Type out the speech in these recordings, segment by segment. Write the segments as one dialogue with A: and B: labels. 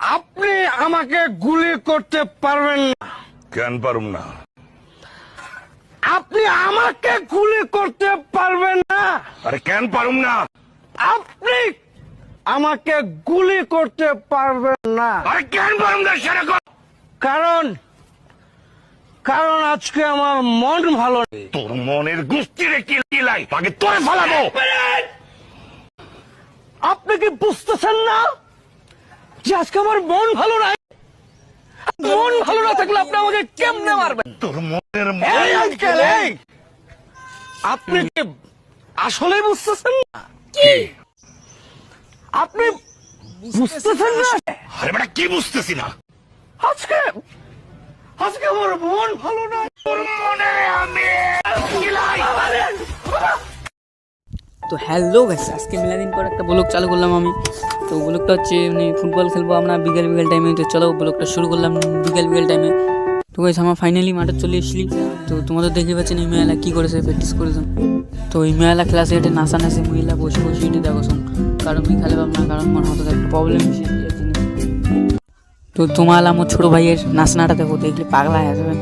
A: আপনি আমাকে গুলি করতে পারবেন না।
B: কেন পারুম না?
A: আপনি আমাকে গুলি করতে পারবেন না।
B: আরে কেন পারুম না?
A: আপনি আমাকে গুলি করতে পারবেন না।
B: আরে কেন পারুম না সেরকম?
A: কারণ কারণ আজকে আমার মন ভালো নেই।
B: তোর মনের গুষ্টিরে কিলাই আগে তোরে ফালাবো।
A: আপনি কি বুঝতেছেন না যে আজকে আমার মন ভালো নাই? মন ভালো না থাকলে আপনি আমাকে কেমনে মারবেন?
B: তোর মনের
A: এই আঙ্কেল, এই আপনি কি আসলে বুঝতেছেন না?
B: কি?
A: আপনি বুঝতেছেন না?
B: আরে বেটা কি বুঝতেছি না?
A: আজকে আজকে আমার মন ভালো নাই।
B: তোর মনে আমি কিলাই।
C: তো হ্যালো গাইস, আজকে মেলাদিন পর একটা ব্লগ চালু করলাম আমি। তো ব্লগটা হচ্ছে মানে ফুটবল খেলবো আমরা বিকেল টাইমে। তো চলো ব্লগটা শুরু করলাম বিকেল টাইমে। তো গাইস আমার ফাইনালি মাঠে চলে এসেছি। তো তোমাদের দেখতে পাচ্ছেন এই মেয়েলা কী করেছে, প্র্যাকটিস করেছে। তো এই মেয়েলা ক্লাসে এটা নাচে মহিলা বসে এটা দেখো শোন। কারণ আমি খেলে পাব না, কারণ মনে হতো একটা প্রবলেম এসে গিয়েছে। তো তোমার আমার ছোটো ভাইয়ের নাচনাটা দেখো, দেখলে পাগলা হয়ে যাবেন।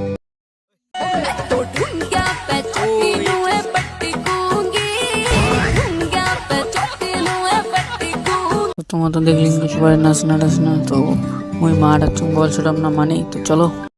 C: তোমার তো দেখলি সবাই নাচনা তো ওই মাঠ বল ছুটাম না মানে। তো চলো।